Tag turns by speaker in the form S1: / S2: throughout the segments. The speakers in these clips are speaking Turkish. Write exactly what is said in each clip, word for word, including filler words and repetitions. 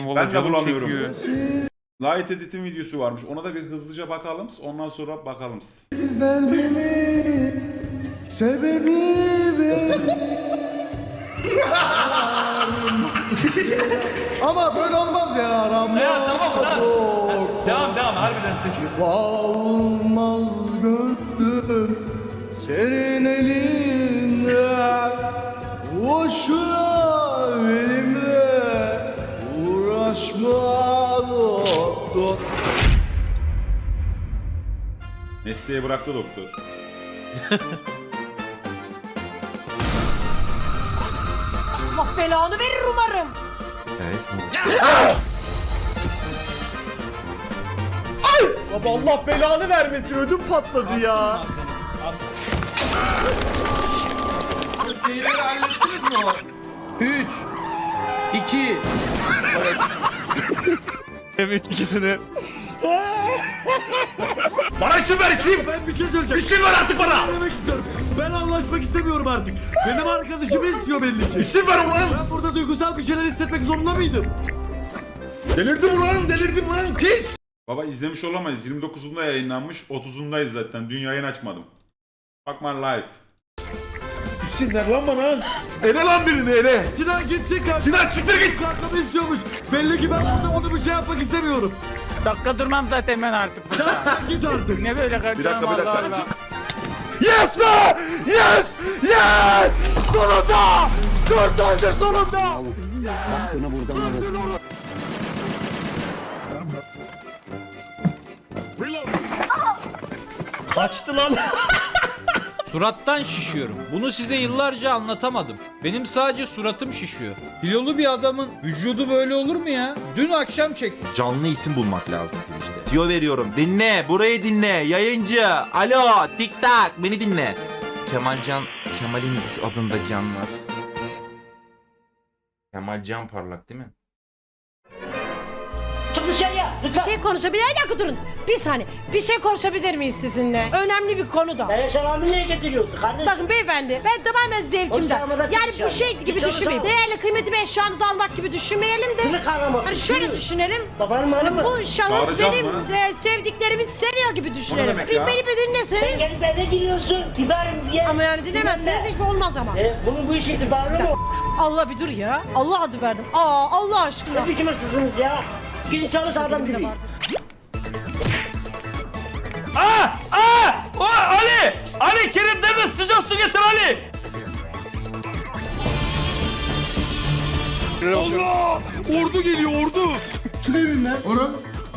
S1: Vallahi
S2: Ben de
S1: canım
S2: bulamıyorum.
S1: çekiyor.
S2: Light Edit'in videosu varmış. Ona da bir hızlıca bakalım. Ondan sonra bakalım.
S3: Derdimin sebebi ama böyle olmaz ya Rambo.
S4: Ya tamam lan. Devam devam harbiden seçiyoruz.
S3: Olmaz gönlüm senin elinde. Boşuna benimle uğraşma doktor.
S2: Mesleği bıraktı doktor.
S5: Allah belanı verir umarım.
S6: Baba Allah belanı vermesin, ödüm patladı ya.
S4: Şeyleri hallettiniz mi o?
S1: üç iki Evet ikisini.
S6: Bana isim ver isim.
S4: Ben bir şey söyleyeceğim.
S6: İsim ver artık bana.
S4: Demek istiyorum. Ben anlaşmak istemiyorum artık. Benim arkadaşımı istiyor belli ki.
S6: İsim ver ulan.
S4: Ben burada duygusal bir şeyler hissetmek zorunda mıydım?
S6: Delirdim ulan, delirdim ulan. Piç.
S2: Baba izlemiş olamayız. yirmi dokuzunda yayınlanmış. otuzundayız zaten. Dün yayın açmadım. Bakma live.
S6: İsim ver lan bana. Ele lan birini ele.
S4: Sinan gitsin kanka.
S6: Sinan siktir git.
S4: Kankamı istiyormuş. Belli ki ben burada onu bir şey yapmak istemiyorum.
S1: Dakika durmam zaten ben artık.
S4: Sen git artık.
S1: Ne böyle kardeşim,
S2: Bir dakika, bir dakika.
S1: Allah Allah.
S6: Yes be. Yes. Yes. Sonunda. Dört aydır sonunda. Kaçtı lan.
S7: Surattan şişiyorum. Bunu size yıllarca anlatamadım. Benim sadece suratım şişiyor. Kilolu bir adamın vücudu böyle olur mu ya? Dün akşam çektim.
S8: Canlı isim bulmak lazım Twitch'te. Tiyo veriyorum. Dinle, burayı dinle. Yayıncı. Alo, tik tak. Beni dinle. Kemalcan, Kemal'in adında canlar. Kemal Can Parlak değil mi?
S5: Çık dışarıya lütfen. Bir şey konuşabilir Bir dakika durun. Bir saniye. Bir şey konuşabilir miyiz sizinle? Önemli bir konu da.
S9: Ben selamı niye getiriyorsun kardeşim?
S5: Bakın beyefendi, ben tamamen zevkimden.
S9: Hocam,
S5: Yani bu
S9: hocam.
S5: şey gibi
S9: Hocam,
S5: düşünmeyin.
S9: hocam.
S5: Değerli kıymetli bir eşyanızı almak gibi düşünmeyelim de.
S9: Kimi kavraması?
S5: Hani şöyle
S9: Kimi?
S5: düşünelim.
S9: Babanın malı mı?
S5: Bu şahıs
S2: Çağıracağım
S5: benim
S2: mı?
S5: e, sevdiklerimi seviyor gibi düşünelim.
S2: demek
S5: Bir
S2: ya?
S5: beni bir
S9: Sen
S5: dinleseniz.
S9: gelip eve giriyorsun. Kibarım diye.
S5: Ama yani dinlemezseniz hiç olmaz ama.
S9: E, bunun bu işi itibarı mı?
S5: Allah bir dur ya. Allah adı verdim. Aa Allah aşkına.
S9: Ne biçim hırsızsınız ya? Gidin çalış adam gibi.
S6: Aa! Aa! O Ali! Ali Kerim deme, sıcak su getir Ali! Allah! Ordu geliyor ordu!
S3: Şuraya bin lan. Orhan.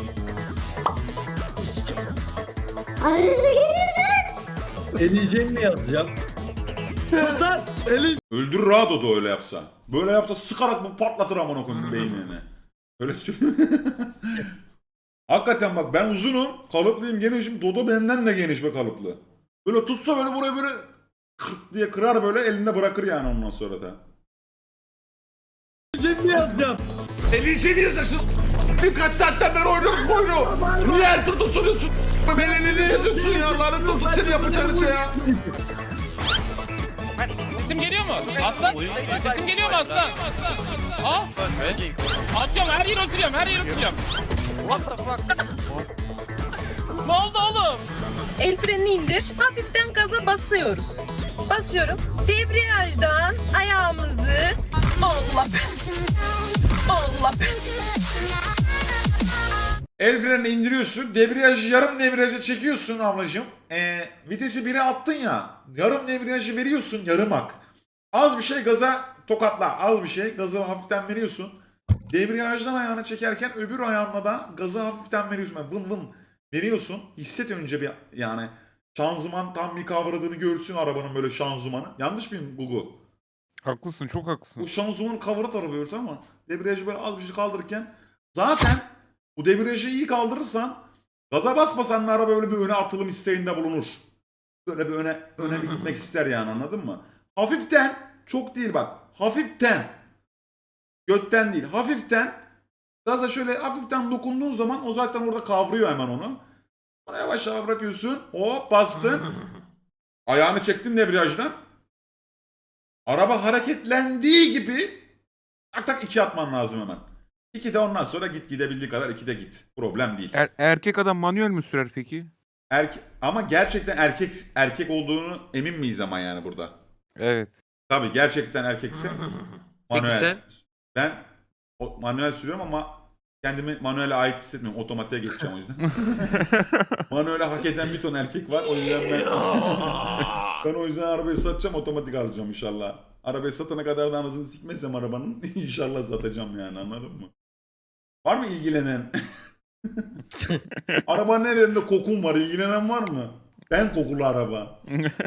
S4: Eleyeceğim mi yazacağım? Kurtar. Eli.
S2: Öldürür Rado da öyle yapsa. Böyle yapsa sıkarak bu patlatır amına koyayım beynini. Öyle söyleyeyim. Hakikaten bak ben uzunum. Kalıplıyım genişim. Dodo benden de geniş ve kalıplı. Böyle tutsa böyle buraya böyle kırt diye kırar böyle elinde bırakır yani ondan sonra da.
S4: Eleyeceğim mi yazacağım?
S6: Elini yazacaksın. Birkaç saatten beri oynuyoruz bu oyunu. Niye her tur tutuyorsun? Ben elini yazıyorsun ya. Lanet olsun seni yapacağın şey ya.
S10: Sesim geliyor mu? Aslan? Sesim geliyor mu aslan? Ha? Atıyorum her yere oturuyorum her yere oturuyorum. What the fuck? Ne oldu oğlum?
S11: El frenini indir. Hafiften gaza basıyoruz. Basıyorum. Debriyajdan ayağımızı Allah ben. Allah ben.
S2: El frenini indiriyorsun. Debriyajı yarım debriyaja çekiyorsun ablacığım. Ee, vitesi bire attın ya. Yarım debriyajı veriyorsun yarım ak. Az bir şey gaza tokatla. Az bir şey gazı hafiften veriyorsun. Debriyajdan ayağını çekerken öbür ayağınla da gazı hafiften veriyorsun. Yani vın vın veriyorsun. Hisset önce bir yani. Şanzıman tam bir kavradığını görsün arabanın böyle şanzımanı. Yanlış mıyım Gugu?
S1: Haklısın, çok haklısın.
S2: Bu şanzımanın kavra tarafı örtü ama debriyajı böyle az bir şey kaldırırken zaten bu debriyajı iyi kaldırırsan gaza basmasan da araba böyle bir öne atılım isteğinde bulunur. Böyle bir öne öne bir gitmek ister yani anladın mı? Hafiften çok değil bak hafiften götten değil hafiften gaza şöyle hafiften dokunduğun zaman o zaten orada kavruyor hemen onu. Sonra yavaş yavaş bırakıyorsun hop bastın ayağını çektin debriyajdan. Araba hareketlendiği gibi tak tak iki atman lazım hemen. iki de ondan sonra git, gidebildiği kadar iki de git. Problem değil.
S1: Er- erkek adam manuel mü sürer peki?
S2: Erke ama gerçekten erkek erkek olduğunu emin miyiz ama yani burada?
S1: Evet.
S2: Tabii gerçekten erkekse manuel.
S10: sen?
S2: Ben o- manuel sürüyorum ama kendimi manuele ait hissetmiyorum. Otomatiğe geçeceğim o yüzden. Manuele hak eden bir ton erkek var. O yüzden ben, ben o yüzden arabayı satacağım, otomatik alacağım inşallah. Arabayı satana kadar da anasını sikmezsem arabanın inşallah satacağım yani, anladın mı? Var mı ilgilenen? Arabanın her yerinde kokun var. İlgilenen var mı? Ben kokulu araba.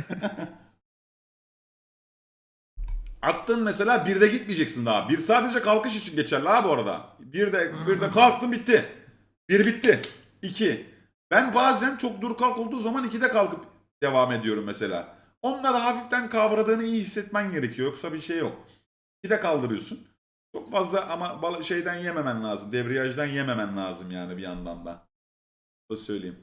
S2: Attın mesela, birde gitmeyeceksin daha. Bir sadece kalkış için geçerli ha bu arada. Bir de, bir de kalktın bitti. Bir bitti. İki. Ben bazen çok dur kalk olduğu zaman ikide kalkıp devam ediyorum mesela. Onunla da hafiften kavradığını iyi hissetmen gerekiyor. Yoksa bir şey yok. İkide kaldırıyorsun. Çok fazla ama bal- şeyden yememen lazım. Debriyajdan yememen lazım yani bir yandan da. Bunu söyleyeyim.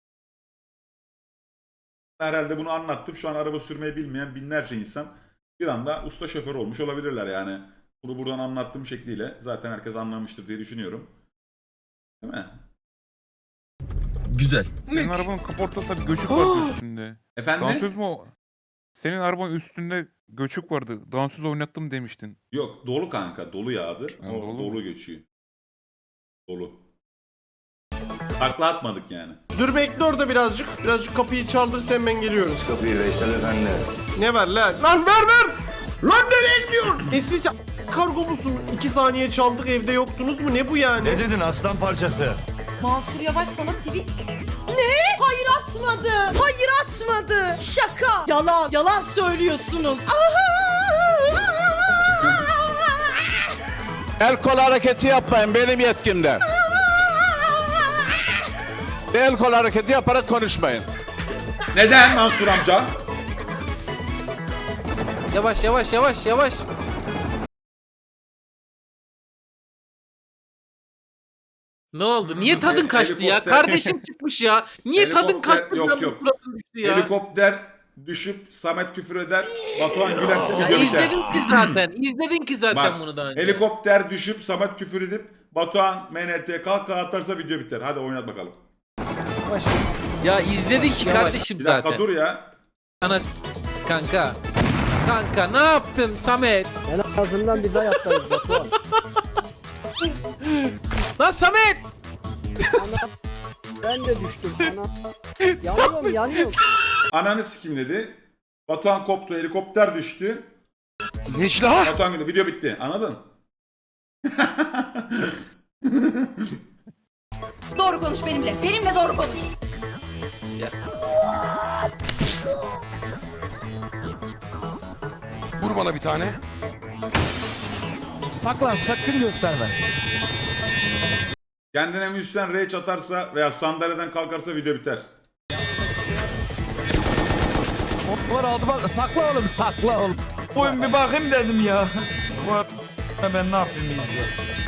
S2: Herhalde bunu anlattım. Şu an araba sürmeyi bilmeyen binlerce insan bir anda usta şoför olmuş olabilirler yani. Bunu buradan anlattığım şekliyle zaten herkes anlamıştır diye düşünüyorum. Değil mi?
S8: Güzel.
S1: Senin arabanın kaportası göçük vardı üstünde.
S2: Efendim?
S1: Dansöz mü o? Senin arabanın üstünde göçük vardı. Dansöz oynattım demiştin.
S2: Yok, dolu kanka. Dolu yağdı.
S1: Ha,
S2: O
S1: dolu
S2: dolu,
S1: mu?
S2: geçiyor. Dolu. Takla atmadık yani.
S3: Dur bekle orada birazcık. Birazcık kapıyı çaldır, sen ben geliyorum.
S6: Kapıyı Veysel Efendi.
S3: Ne ver lan? Lan ver ver! Lan nereye gidiyorsun? E siz kargo musun? İki saniye çaldık, evde yoktunuz mu? Ne bu yani?
S6: Ne dedin aslan parçası?
S5: Mansur Yavaş sana tweet... Ne? Hayır atmadı. Hayır atmadı. Şaka. Yalan. Yalan söylüyorsunuz.
S6: El kol hareketi yapmayın, benim yetkimde. El kol hareketi yaparak konuşmayın.
S2: Neden Mansur amca?
S10: Yavaş yavaş yavaş yavaş. Ne oldu? Niye tadın
S2: He-
S10: kaçtı ya?
S2: helikopter-
S10: Kardeşim çıkmış ya. Niye tadın
S2: Helikopter-
S10: kaçtı?
S2: yok,
S10: ya?
S2: yok.
S10: Suratın düştü ya.
S2: Helikopter düşüp Samet küfür eder. Batuhan gülerse
S10: Ya
S2: video biter.
S10: izledin ki zaten. İzledin ki zaten
S2: Bak,
S10: bunu daha önce.
S2: helikopter düşüp Samet küfür edip Batuhan M N T kahkaha atarsa video biter. Hadi oynat bakalım.
S10: Ya izledin ki kardeşim
S2: Bir dakika
S10: zaten.
S2: dur ya.
S10: Ana s- kanka. Kanka ne yaptın Samet?
S9: En azından biz ayaktayız Batuhan.
S10: Lan Samet!
S9: Ben de düştüm. Ana. Yanıyorum yanıyorum.
S2: Ananı sikim dedi. Batuhan koptu, helikopter düştü.
S6: Necla!
S2: Batuhan güldü, video bitti. Anladın?
S11: Doğru konuş benimle. Benimle doğru konuş.
S6: Vur bana bir tane.
S3: Saklan, sakın gösterme.
S2: Kendine müzisyen rage atarsa veya sandalyeden kalkarsa video biter.
S3: Var aldı bak, sakla oğlum, sakla oğlum. Oyun bir bakayım dedim ya. Bu ben ne yapayım izle.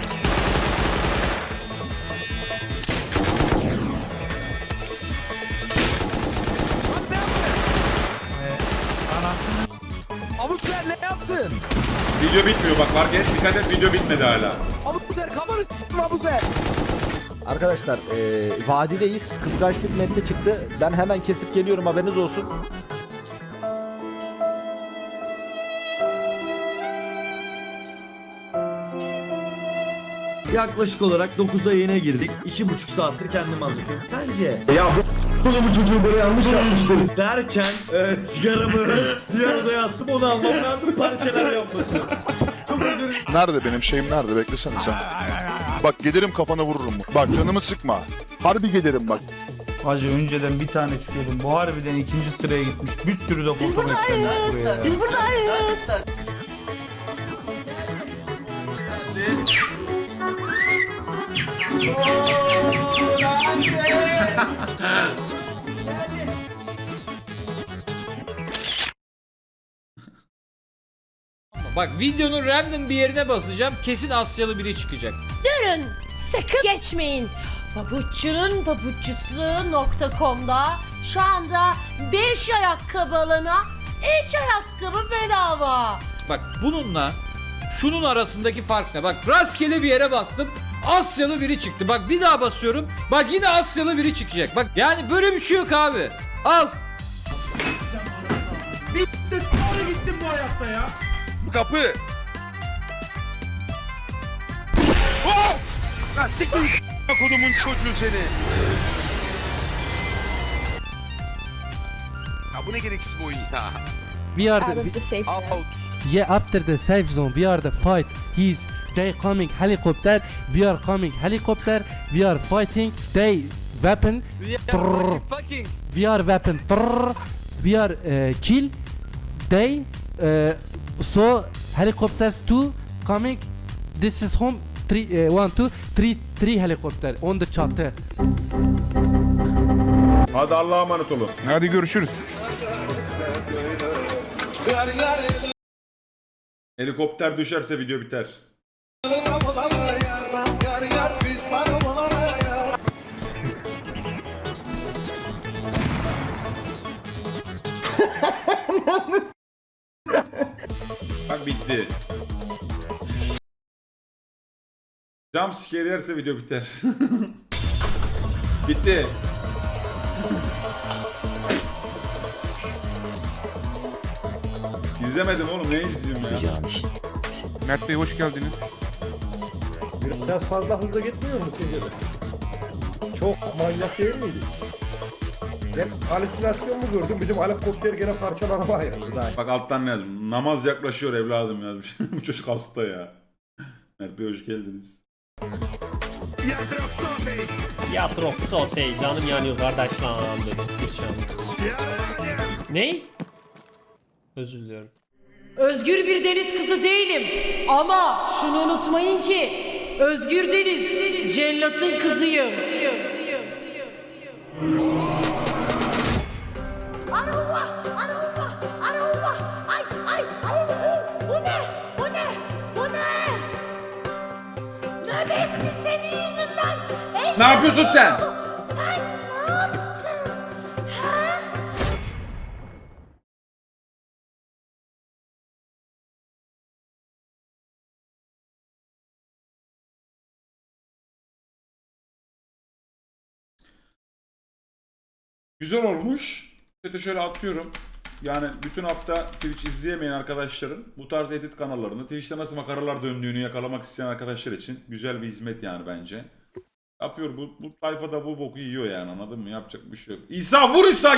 S3: Abuzer ne yaptın?
S2: Video bitmiyor bak, fark et, dikkat et, video bitmedi hala.
S3: Abuzer kafanı s**tim Abuzer.
S12: Arkadaşlar eee vadideyiz. Kıskançlık metni çıktı. Ben hemen kesip geliyorum, haberiniz olsun.
S4: Yaklaşık olarak dokuzda yayına girdik. iki buçuk saattir kendimi hazırlıyorum. Sence? Ya bu bu çocuğu böyle yanlış yapmıştır. Derken e, sigaramı bir odaya attım, onu almam lazım, parçalar yapması. Çok özür dilerim.
S6: Nerede benim şeyim, nerede? Beklesene sen. Bak gelirim kafana vururum. Bak canımı sıkma. Harbi gelirim bak.
S3: Hacı önceden bir tane çıkıyordum. Bu harbiden ikinci sıraya gitmiş. Bir sürü de foto beklenmiş buraya.
S5: Biz buradayız.
S7: Bak videonun random bir yerine basacağım. Kesin Asyalı biri çıkacak.
S5: Durun. Sakın geçmeyin. Pabuççunun pabuççusu nokta com'da şu anda beş ayakkabı alana üç ayakkabı bedava.
S7: Bak bununla şunun arasındaki fark ne? Bak rastgele bir yere bastım. Asyalı biri çıktı. Bak bir daha basıyorum. Bak yine Asyalı biri çıkacak. Bak yani böyle bir şey yok abi. Al.
S3: Bitti. Doğru gittin bu hayatta ya.
S6: Bu kapı. Oh! Lan siktir kodumun çocuğu seni. Ya bu ne gereksiz bu oyun ya.
S9: We are the,
S6: Out.
S9: yeah, after the safe zone, we are the fight. He's they coming helicopter. We are coming helicopter. We are fighting. They weapon. Trrr. We are weapon. Trrr. We are uh, kill. They uh, so helicopters two coming. This is home. Three, uh, one, two, three, three helicopter on the çatı.
S2: Hadi Allah'a emanet olun.
S1: Hadi görüşürüz.
S2: Helikopter düşerse video biter. Bak bitti. Jump scare yerse video biter. Bitti. İzlemedim oğlum, ne izliyorum ya?
S1: Mert Bey hoş geldiniz.
S12: Biraz fazla hızlı gitmiyor mu sizce de? Çok manyak değil miydi? Ben halüsinasyon mu gördüm? Bizim helikopter gene parçalanma ayırdı zaten.
S2: Bak alttan ne yazmış? Namaz yaklaşıyor evladım yazmış. Bu çocuk hasta ya. Mert Bey hoş geldiniz.
S3: Yatrok sotey canım yanıyor kardeş lan. Ney? Özür diliyorum.
S5: Özgür bir deniz kızı değilim. Ama şunu unutmayın ki Özgür Deniz cellatın kızıyım. Arova, arova, arova. Ay, ay, ay. Bu ne? Bu ne? Bu ne? Nöbetçi senin yüzünden.
S2: Ne yapıyorsun sen?
S5: Sen ne yaptın? Ha?
S2: Güzel olmuş. Chat'e şöyle atıyorum. Yani bütün hafta Twitch izleyemeyen arkadaşların bu tarz edit kanallarını, Twitch'te nasıl makaralar döndüğünü yakalamak isteyen arkadaşlar için güzel bir hizmet yani bence. Yapıyor bu, bu tayfa da bu boku yiyor yani, anladın mı? Yapacak bir şey yok. İsa vur İsa!